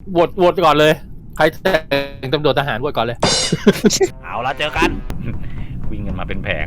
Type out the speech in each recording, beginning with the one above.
โหวตก่อนเลยใครแต่งตำรวจทหารโหวตก่อนเลยเอาละเจอกัน วิ่งกันมาเป็นแผง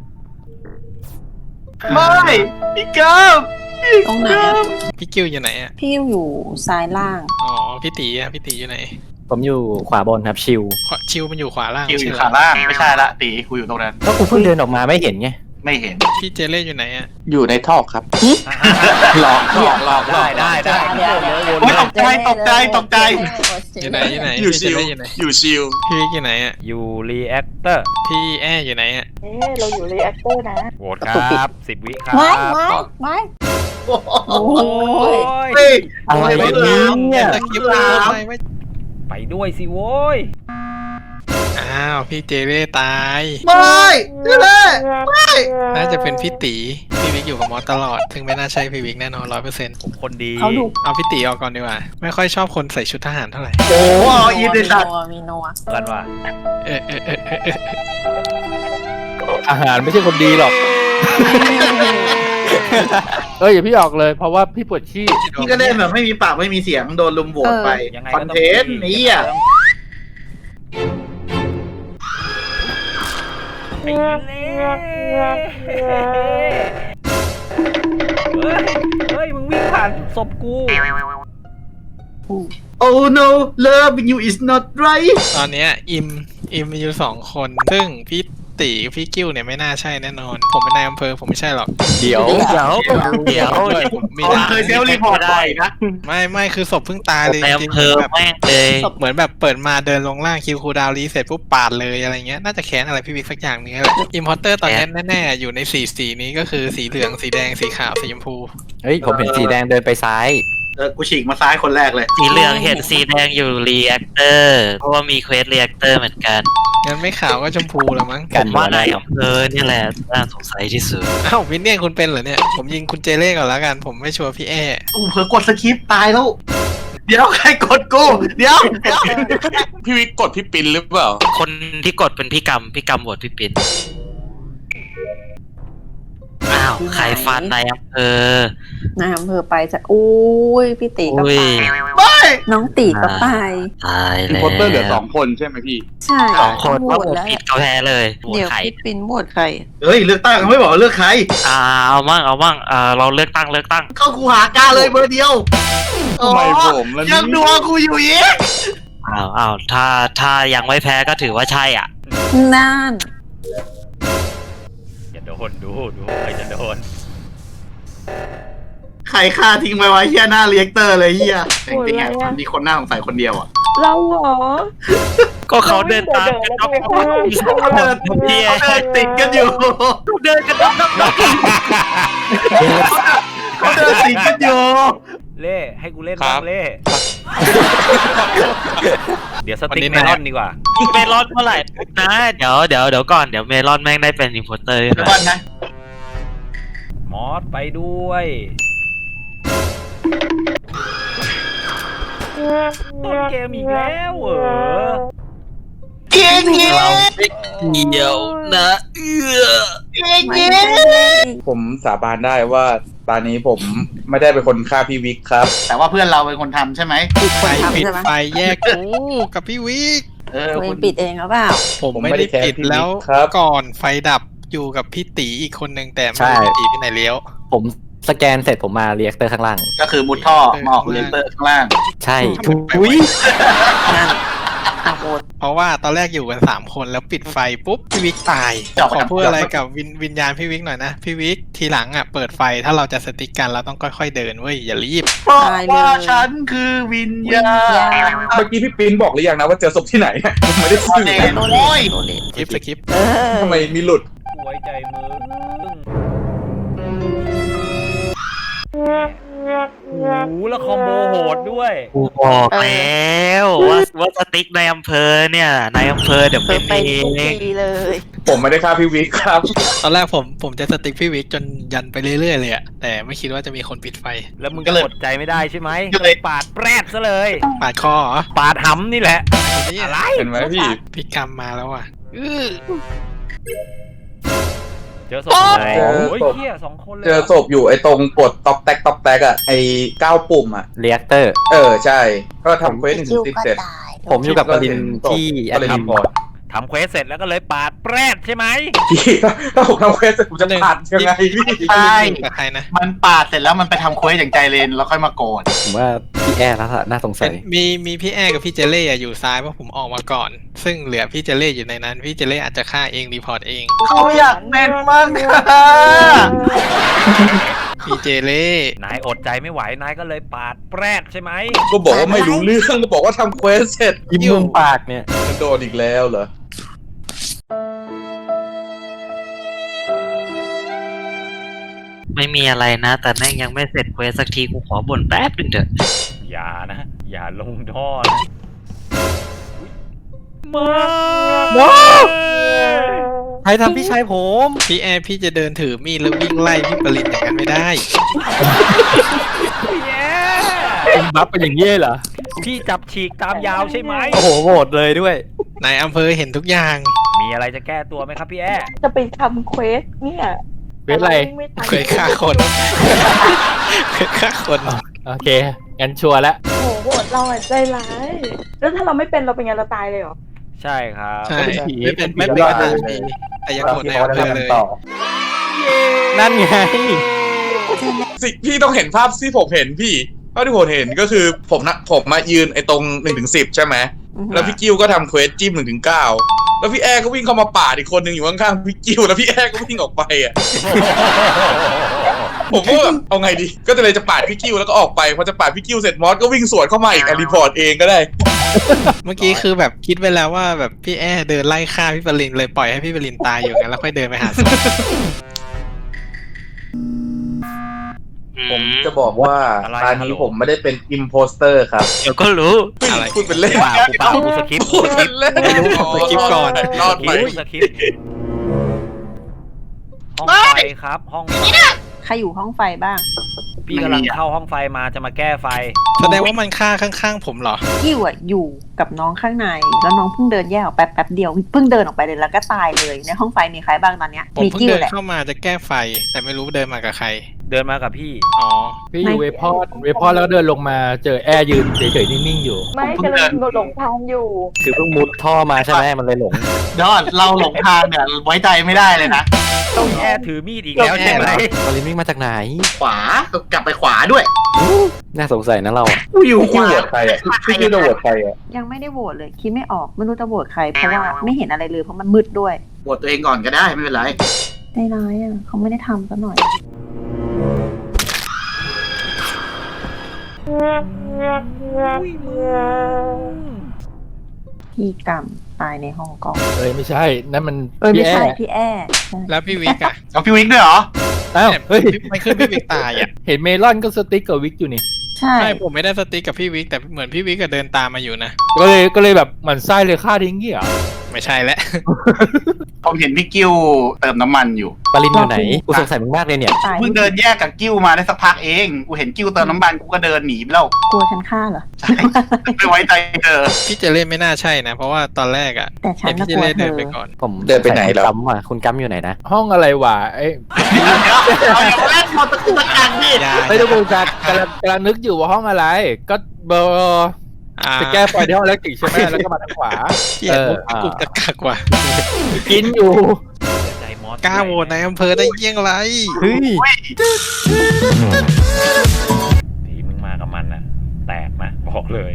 ไม่พี่เกิร์ฟตรงไหนอะพี่กิ้วอยู่ไหนอ่ะพี่อยู่ซ้ายล่างอ๋อพี่ตีอ่ะพี่ตีอยู่ไหนผมอยู่ขวาบนครับชิวชิวมันอยู่ขวาล่างคิวอยู่ใช่ขาไหมล่างไม่ใช่ละตีกูอยู่ตรงนั้นก็กูเพิ่งเดินออกมาไม่เห็นไงไม่เห็นพี่เจเล่อยู่ไหนอ่ะอยู่ในท่อครับหลอกได้เดี๋ยวโอ้ยตกใจตกใจตกใจอยู่ไหนอยู่ไหนอยู่พี่เจชิวเล่อยู่ไหนอยู่ชิวพี่วิกอยู่ไหนอ่ะอยู่รีแอคเตอร์พี่แออยู่ไหนอ่ะเราอยู่รีแอคเตอร์นะโหวตครับ10 วิครับไม่โอ้ยยเฮ้ยอะไรไม่เนี่ยตะคริปต์เลยทำไมไม่ไปด้วยสิโว้ยอ้าวพี่เจเล่ตายไม่เล่น่าจะเป็นพี่ตีพี่วิกอยู่กับมอสตลอดซึ่งไม่น่าใช่พี่วิกแน่นอน100% ผมคนดีเขาดูเอาพี่ตีออกก่อนดีกว่า ไม่ค่อยชอบคนใส่ชุดทหารเท่าไหร่โอ้เอาอีนในสัตว์มีโนอะกันว่าเออทหารไม่ใช่คนดีหรอก อย่าพี่ออกเลยเพราะว่าพี่ปวดขี้พี่ก็เล่นแบบไม่มีปากไม่มีเสียงโดนลุมโหวตไปยังไงคอนเทนต์นี่อ่ะไอ้เล่เฮ้ยมึงวิ่งผ่านศพกูโอ้ no love you is not right ตอนเนี้ยอิมมีอยู่2 คนซึ่งพี่ตีพี่กิ้วเนี่ยไม่น่าใช่แน่นอน ผมเป็นนายอำเภอผมไม่ใช่หรอกเดี๋ยวผมมีผมร้านเคยเซลล์รีพอร์ตบ่อยนะไม่คือศพเพิ่งตายเลยในจริอำงเภอๆแบบแม่งเลยเหมือนแบบเปิดมาเดินลงล่างคิวคูลดาวน์รีเซ็ตปุ๊บปาดเลยอะไรเงี้ยน่าจะแค้นอะไรพี่วิกสักอย่างนึงแหละอิมพอร์เตอร์ตอนนี้แน่ๆอยู่ในสีนี้ก็คือสีเหลืองสีแดงสีขาวสีชมพูเฮ้ยผมเห็นสีแดงเดินไปซ้ายกูฉีกมาซ้ายคนแรกเลยสีเหลืองเห็นสีแดงอยู่รีแอคเตอร์เพราะว่ามีเควสรีแอคเตอร์เหมือนกันงั้นไม่ขาวก็ชมพูแล้วมั้งกันว่าในอำเภอนี่แหละน่าสงสัยที่สุดอ้าววินเนี่ยคุณเป็นเหรอเนี่ยผมยิงคุณเจเล่ก่อนแล้วกันผมไม่ชัวร์พี่แอกูเผลอกดสคริปต์ตายแล้ว เดี๋ยวใครกดกู เดี๋ยวพี่วิกกดพี่ปินหรือเปล่า คนที่กดเป็นพี่กำโหวตพี่ปินอ้าวใครฟันในอำเภอนายอำเภอไปจะอุ้ยพี่ตีก็อุ้ไปยไม่น้องตีก็ไปตายแล้วโพสเตอร์เหลือ2 คนใช่ไหมพี่ใช่ 2 คนโหวว่าตโหวตแล้วผิดเขาแพ้เลยโหวตเดี๋ยวใครพี่ปินโหวตใครเฮ้ยเลือกตั้งไม่บอกว่าเลือกใครเอามั่งเราเลือกตั้งเข้ากูหากาเลยเบอร์เดียวทำไมผมล่ะเนี่ยยังดูกูอยู่อีกอ้าวถ้ายังไม่แพ้ก็ถือว่าใช่อ่ะนั่นอย่าโดนดูใครจะโดนใครฆ่าทิ้งไปไว้เฮียหน้าเรียกเตอร์เลยเฮียจริงๆอ่ะมันมีคนหน้าสงสัยคนเดียวอ่ะเราเหรอก็เขาเดินตามกันเขาเดินติดกันอยู่เดินกันนับเขาเดินติดกันอยู่เล่ให้กูเล่นครับ้าบงเล่เดี๋ยวสติ๊กเมลอนดีกว่าเมลอนเมื่อไหร่นะเดี๋ยวก่อนเดี๋ยวเมลอนแม่งได้เป็นอินโพเตอร์เดี๋ยวก่อนนะมอสไปด้วย ต้นเกมอีกแล้วเหรอเก่งเงี้ยเราไม่เกี่ยวนะเก่งไม่เงี้ยได้ผมสาบานได้ว่าตอนนี้ผมไม่ได้เป็นคนฆ่าพี่วิกครับแต่ว่าเพื่อนเราเป็นคนทำใช่ไหมไฟทำปิดใช่ไหมไฟแยกกูกับพี่วิกตัวเอคุงณปิดเองหรือเปล่าผมไม่ได้ปิดแล้วครับก่อนไฟดับอยู่กับพี่ตีอีกคนนึงแต่ไม่ใช่รู้พี่ตีไปไหนเลี้ยวผมสแกนเสร็จผมมาเรียกเตอร์ข้างล่างก็คือมุดท่อมาออกเรียกเตอร์ข้างล่างใช่ทุทุยนั่นอ่ะโหวตเพราะว่าตอนแรกอยู่กัน3 คนแล้วปิดไฟปุ๊บพี่วิกตายจบขอพูดอะไรกับวิญญาณพี่วิกหน่อยนะพี่วิกทีหลังอ่ะเปิดไฟถ้าเราจะสติ๊กกันเราต้องค่อยๆเดินเว้ยอย่ารีบเพราะว่าฉันคือวิญญาณเมื่อกี้พี่ปินบอกหรือยังนะว่าเจอศพที่ไหน ผมไม่ได้สื่อเห็นโอ้ยคลิปสคริปต์เออทำไมมีหลุดไว้ใจมึงโอ้โหแล้วคอมโบโหดด้วยกูบอกแล้วว่าสติ๊กในอำเภอเนี่ยในอำเภอเดี๋ยวเธเป็อน ไปเอทุกงทีเลยผมไม่ได้ฆ่าพี่วิกครับตอนแรกผมจะสติ๊กพี่วิกจนยันไปเรื่อยๆเลยอะแต่ไม่คิดว่าจะมีคนปิดไฟแล้วมึงก็อดใจไม่ได้ใช่ไหมก็เลยปาดแปรดซะเลยปาดคอเหรอปาดหำนี่แหละนี่อะไรเห็นไหมพี่พี่กรรมมาแล้วอ่ะอื้อเจอศพเจอศพโอ้ยเหี้ย2 คนเลยเจอศพอยู่ไอ้ตรงกดต๊อกแต๊กอ่ะไอ้9 ปุ่มอ่ะเรียกเตอร์ใช่ ก็ทำเควส1 ถึง 10เสร็จผมอยู่กับปรินที่ก็เลยรีพอร์ตทำเควสเสร็จแล้วก็เลยปาดแปรดใช่ไหมพี่ถ้าผมทำเควสเสร็จผมจะผ่านยังไงพี่ใช่กับใครนะมันปาดเสร็จแล้วมันไปทำเควสอย่างใจเลนแล้วค่อยมาโกรธผมว่าพี่แอร์แล้วน่าสงสัยมีพี่แอร์กับพี่เจเล่อยู่ซ้ายเพราะผมออกมาก่อน ซึ่งเหลือพี่เจเล่อยู่ในนั้น พี่เจเล่อาจจะฆ่าเองรีพอร์ตเองเขาอยากเป็นมากนะพี่เจเล่นายอดใจไม่ไหวนายก็เลยปาดแปรดใช่ไหมก็บอกว่าไม่รู้เรื่องก็บอกว่าทำเควสเสร็จยิ้มมุมปากเนี่ยมันโดนอีกแล้วเหรอไม่มีอะไรนะ แต่แม่งยังไม่เสร็จเควสสักทีกูขอบ่นแป๊บนึงเถอะอย่านะ อย่าลงท่อนะมาใครทำพี่ชายผมพี่แอร์พี่จะเดินถือมีดแล้ววิ่งไล่พี่ปรินอย่างนั้นไม่ได้ผมบัฟเป็นอย่างนี้เหรอพี่จับฉีกตามยาวใช่ไหมโอ้โหโหวตเลยด้วยนายอำเภอเห็นทุกอย่างมีอะไรจะแก้ตัวไหมครับพี่แอจะไปทำเควสเนี่ยเป็นไรม่ทันเคยฆ่าคนเคยฆ่าคนโอเคงั้นชัวร์แล้วโอ้โหโหดเราอะใจร้ายแล้วถ้าเราไม่เป็นเราเป็นไงเราตายเลยเหรอใช่ครับใช่เป็นผีไม่เป็นเป็นผีไม่เป็นรอดก็เลยตามดีแต่ยังโกรธนายอำเภอเลยนั่นไงสิพี่ต้องเห็นภาพที่ผมเห็นพี่ภาพที่ผมเห็นก็คือผมมายืนไอ้ตรง1 ถึง 10ใช่ไหมแล้วพี่กิ้วก็ทำเควสจิ้ม1 ถึง 9แล้วพี่แอร์ก็วิ่งเข้ามาปาดอีกคนหนึ่งอยู่ข้างๆพี่กิ้วแล้วพี่แอร์ก็วิ่งออกไปอ่ะ ผมก็แบบเอาไงดีก็เลยจะปาดพี่กิ้วแล้วก็ออกไปพอจะปาดพี่กิ้วเสร็จมอสก็วิ่งสวนเข้ามาอีกรีพอร์ตเองก็ได้เมื่อกี้คือแบบคิดไว้แล้วว่าแบบพี่แอร์เดินไล่ฆ่าพี่ปรินเลยปล่อยให้พี่ปรินตายอยู่งั้นแล้วค่อยเดินไปหาศพผมจะบอกว่าตอนนี้ผมไม่ได้เป็นอิมโพสเตอร์ครับเดี๋ยวก็รู้อะไรพูดเป็นเล่นเปล่ากูสคริปต์พูดเป็นเล่นไม่รู้ผมสคริปต์ก่อนรอดไปสคริปต์ห้องไฟครับ ห้องไฟใครอยู่ห้องไฟบ้างพี่กำลังเข้าห้องไฟมาจะมาแก้ไฟแสดงว่ามันฆ่าข้างๆผมเหรอกิ้วอะอยู่กับน้องข้างใน แล้วน้องเพิ่งเดินแยกออกไปแป๊บเดียวเพิ่งเดินออกไปเลยแล้วก็ตายเลยในห้องไฟมีใครบ้างตอนเนี้ยผมมีเพิ่งกิ้วเดินแหละเข้ามาจะแก้ไฟ แต่ไม่รู้เดินมากับใครเดินมากับพี่อ๋อพี่อยู่เวพอดแล้วก็เดินลงมาเจอแอร์ยืนเฉยๆนิ่งๆอยู่ไม่กำลังหลงทางอยู่คือเพิ่งมุดท่อมาใช่ไหมมันเลยหลงยอดเราหลงทางเนี่ยไว้ใจไม่ได้เลยนะต้องแอร์ถือมีดอีกแล้วใช่ไหมปรินวิ่งมาจากไหนขวากลับไปขวาด้วยน่าสงสัยนะเราอะกูอยู่พี่ขกิ้ววาโหวตใครอ่ะพี่กิ้วจะโหวตใครอ่ะยังไม่ได้โหวตเลยคิดไม่ออกไม่รู้จะโหวตใครเพราะว่าไม่เห็นอะไรเลยเพราะมันมืดด้วยโหวตตัวเองก่อนก็ได้ไม่เป็นไรใจร้ายอ่ะเขาไม่ได้ทำซะหน่อยพี่กรรมตายในห้องกล้องไม่ใช่นั่นมันไม่พี่แอใช่ร์พี่แอร์ใช่แล้วพี่วิกอะเอาพี่วิกด้วยเหรออ้าวเฮ้ยไม่ขึ้นพี่วิกตายอะเห็นเมลอนก็สติ๊กกับวิกอยู่นี่ใช่ใช่ผมไม่ได้สติ๊กกับพี่วิกแต่เหมือนพี่วิกก็เดินตามมาอยู่นะก็เลยแบบหมันไส้เลยฆ่าทิ้งเงี้ยเหรอไม่ใช่แล้วผมเห็นพี่กิ้วเติมน้ำมันอยู่ปรินอยู่ไหน กูสงสัยมึงมากเลยเนี่ยตายเพิ่งเดินแยกกับกิ้วมาได้สักพักเองกูเห็นกิ้วเติมน้ำมันกูก็เดินหนีไปแล้วกลัวฉันฆ่าเหรอไม่ไว้ใจเธอพี่เจเล่ไม่น่าใช่นะ เพราะว่าตอนแรกอะแต่ฉันเห็นน่ะพี่กเจลัวเล่เธเดินอไปก่อนผมเดินไปไหนเหรอกัมอะคุณกัมอยู่ไหนนะห้องอะไรวะเอ้ยเอาอย่ามาเล่นพอตะกุกตะกักดิอย่าไม่ต้องกูกำลังนึกอยู่ว่าห้องอะไร ก็เบอร์อ่าจะแก้ไฟที่ห้องเล็กติกใช่ไหมแล้วก็มาทางขวาเกลียดมุกตะกุกตะกักว่ะกินอยู่ใจมอสกล้าโหวตในอำเภอได้เยี่ยงไรเฮ้ยผีมึงมากับมันน่ะ แตกนะบอกเลย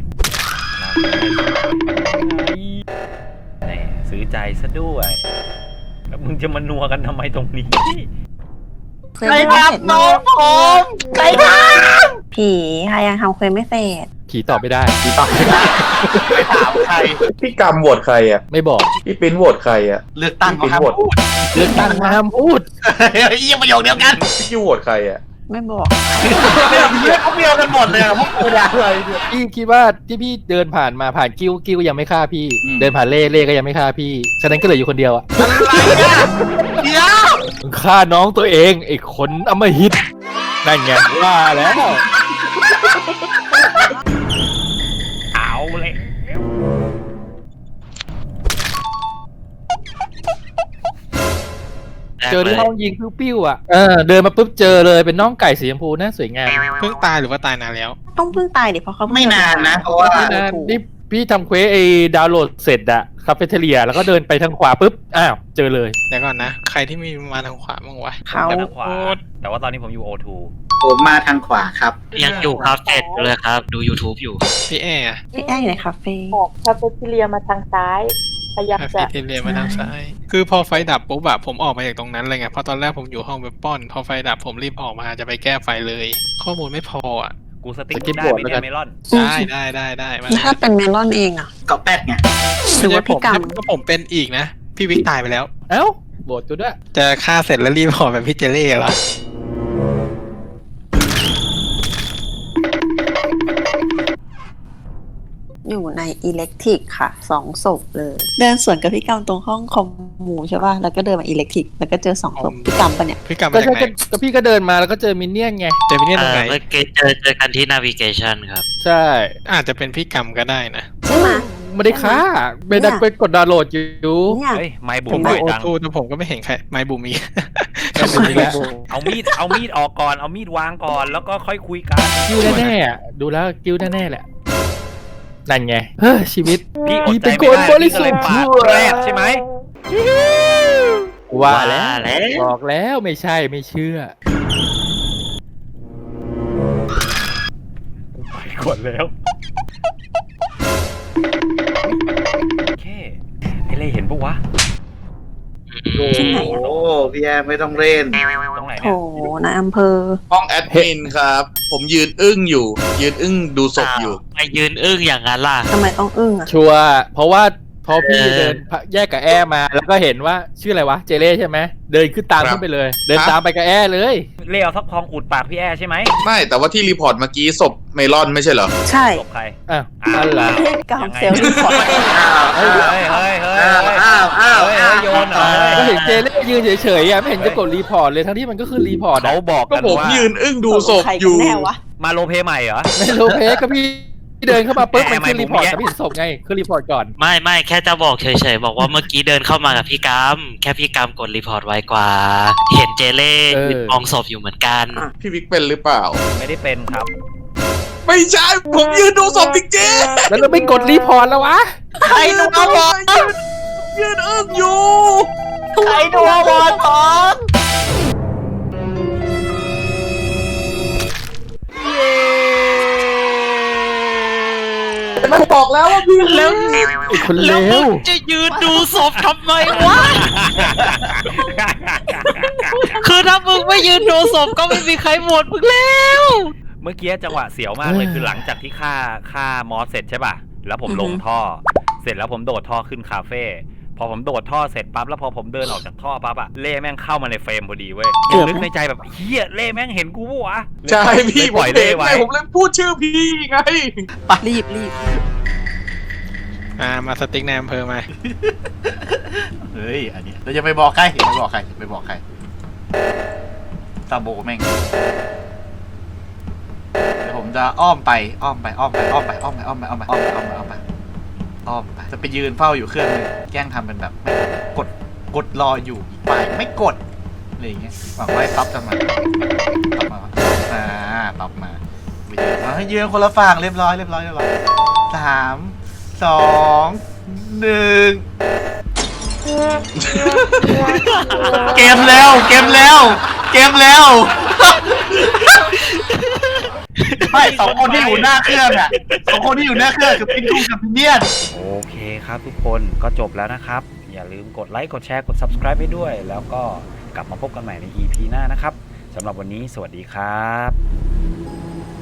แหม่ซื้อใจซะด้วย แล้วมึงจะมานัวกันทำไมตรงนี้เควสใครไม่เสร็จทำน้องผมใครทผีใครยังทำเควสไม่เสร็จผีตอบไม่ได้ผีตอบไม่ได้ำไปถามใครพี่กรรมโหวตใครอ่ะไม่บอกพี่ปิ้นโหวตใครอ่ะเลือกตั้งเขาห้ามพูดเลือกตั้งห้ามพูดเฮ้ยยังประโยคเดียวกันพี่กิ้วโหวตใครอ่ะไม่บอกเขาเมียกันหมดเลยอะพวกกูเนี่ยอะไรเนี่ยพี่คิดว่าที่พี่เดินผ่านมาผ่านกิ้วยังไม่ฆ่าพี่อืมเดินผ่านเล่ก็ยังไม่ฆ่าพี่ฉะนั้นก็เหลืออยู่คนเดียวอะอะไรเนี่ยเดี๋ยวมึงฆ่าน้องตัวเองไอ้คนอำมหิตนั่นไงว่าแล้วเอาเลยได้เจอที่ห้องยิงปิ้วๆอ่ะเดินมาปุ๊บเจอเลยเป็นน้องไก่สีชมพูน่าสวยงามเพิ่งตายหรือว่าตายนานแล้วต้องเพิ่งตายดิเพราะเขาเพิ่งไม่นานนะเพราะว่านี่พี่ทำเควสไอ้ดาวน์โหลดเสร็จอะคาเฟ่เทเลียแล้วก็เดินไปทางขวาปุ๊บอ้าวเจอเลยเดี๋ยวก่อนนะ ใครที่มีมาทางขวาบ้างวะเขาทางขวาแต่ว่าตอนนี้ผมอยู่ O2 ผมมาทางขวาครับยังอยู่คาเฟ่เลยครับ ดู YouTube อยู่พี่แอร์พี่แอ้อยู่ในคาเฟ่ออกคาเฟ่ทีเรียมาทางซ้ายพยายามคาจะเฟ่เทเลียมาทางซ้าย คือพอไฟดับปุ๊บอะผมออกมาจากตรงนั้นเลยไง เพราะตอนแรกผมอยู่ห้องเว็บป้อน พอไฟดับผมรีบออกมาจะไปแก้ไฟเลย ข้อมูลไม่พออะกูสติ๊กได้ไหมเนี่ยเมลอนได้มาถ้าเป็นเมลอนเองอ่ะก็แป๊กไงหรือว่าพี่กรรมก็ผมเป็นอีกนะ พี่วิกตายไปแล้วเอ้าโบดกูด้วยจะฆ่าเสร็จแล้วรีบออกแบบพี่เจเล่เหรออยู่ในอิเล็กทริกค่ะ2 ศพเลย เดินสวนกับพี่กรรมตรงห้องคอมมูใช่ป่ะแล้วก็เดินมาอิเล็กทริกแล้วก็เจอ2 ศพพี่กรรมปะเนี่ยพี่กรรมก็มาจากใช่ไหนก็พี่ก็เดินมาแล้วก็เจอมินเนี่ยนไงเจมิเนี่ยตรงไหนเมื่อกี้เจอกันที่ navigation ครับใช่อาจจะเป็นพี่กรรมก็ได้นะใช่ไหมไม่ได้ฆ่าไปดักไปกดดาวน์โหลดอยู่เนี่ยเฮ้ยไม่บุผมบ่ดูอยโอจังทูแต่ผมก็ไม่เห็นใครไม้บูมีเอามีดออกก่อนเอามีดวางก่อนแล้วก็ค่อยคุยกันกิ้วแน่ๆอะดูแล้วกิ้วแน่ๆแหละนั่นไงเฮ้ยชีวิตพี่อดใจเป็นไม่คนได้บริพี่ก็สุเลทยธิ์ปาดแรกใช่ไหมว่าแล้วแล้วบอกแล้วไม่ใช่ไม่เชื่อไปกดแล้วโอเคไอ้เล่เห็นปะวะที่ไหนโอ้พี่แอร์ไม่ต้องเล่นตรงไหนโถเนี่ยนายอำเภอห้องแอดมินครับ ผมยืนอึ้งอยู่ ยืนอึ้งดูศพอยู่ไปยืนอึ้งอย่างนั้นล่ะทำไมต้องอึ้งอ่ะชัวร์เพราะว่าพอพี่เดินแยกกับแอร์มา แล้วก็เห็นว่าชื่ออะไรวะเจเล่ใช่ไหมเดินขึ้นตามครับขึ้นไปเลย เดินตามไปกับแอร์เลยเล่เอาทักทองอุดปากพี่แอร์ใช่ไหมไม่แต่ว่าที่รีพอร์ตเมื่อกี้ศพเมลอนไม่ใช่เหรอใช่จบใครอ้าวนั่นแหละพี่กรรมเซลล์รีพอร์ตเฮ้ยเฮ้ยเฮ้ยเฮ้ยอ้าวอ้าวเฮ้ยอ้าวโยนเหรอก็เห็นเจเล่ยืนเฉยๆอ่ะไม่เห็นจะกดรีพอร์ตเลยทั้งที่มันก็คือรีพอร์ตเขาอ่ะบอกก็กันผมว่ายืนอึ้งดูศพใครอกันยู่แน่วะมาโลเพใหม่เหรอในโลเพก็พี่เดินเข้ามาปุ๊บแอร์มันขึ้นรีพอร์ตไม่แต่ไม่เห็นศพไงขึ้นรีพอร์ตก่อนไม่แค่จะบอกเฉยๆบอกว่าเมื่อกี้เดินเข้ามากับพี่กรรมแค่พี่กรรมกดรีพอร์ตไว้กว่า เห็นเจเล่ยืนมองศพอยู่เหมือนกันพี่วิกเป็นหรือเปล่าไม่ได้เป็นครับไม่ใช่ ผมยืนดูศพจริงแล้วเราไม่กดรีพอร์ตแล้ววะๆใครดูบอลยืนอึ้งอยู่ใครดูวอร์ทองมันบอกแล้วว่าพี่แล้วไอ้คนเลแล้วมึวงจะยืนดูศพทำไมวะ คือถ้ามึงไม่ยืนดูศพก็ไม่มีใครโหวตมึงแล้วเมื่อกี้จังหวะเสียวมากเลยคือหลังจากที่ฆ่ามอสเสร็จใช่ป่ะ แล้วผมลงท่อ เสร็จแล้วผมโดดท่อขึ้นคาเฟ่พอผมโดดท่อเสร็จปั๊บแล้วพอผมเดินออกจากท่อปั๊บอะเล่แม่งเข้ามาในเฟรมพอดีเว้ยยังนึกในใจแบบเฮียเล่แม่งเห็นกูปะวะใช่พี่เลยผปมล่อยเห็เล่นไว้ไงผมเลยพูดชื่อพี่ไงรีบมาสติ๊กในอำเภอมาเฮ้ยอันนี้เราจะไปบอกใครอย่าไปบอกใครอย่าไปบอกใครซาโบแม่งเดี๋ยวผมจะอ้อมไปจะไปยืนเฝ้าอยู่เครื่องนึงแกล้งทำเป็นแบบกดรออยู่อีกฝ่ายไม่กดอะไรอย่างเงี้ยหวังว่าไอ้ต๊อปจะมาต๊อปมาไปยืนให้ยืนคนละฝั่งเรียบร้อย3 2 1เกมแล้วไม่2 คนที่อยู่หน้าเครื่องอ่ะ2 คนที่อยู่หน้าเครื่องคือพิงคุงกับพิเนียนโอเคครับทุกคนก็จบแล้วนะครับ อย่าลืมกดไลค์กดแชร์กด subscribe ให้ด้วย แล้วก็กลับมาพบกันใหม่ใน EP หน้านะครับสำหรับวันนี้สวัสดีครับ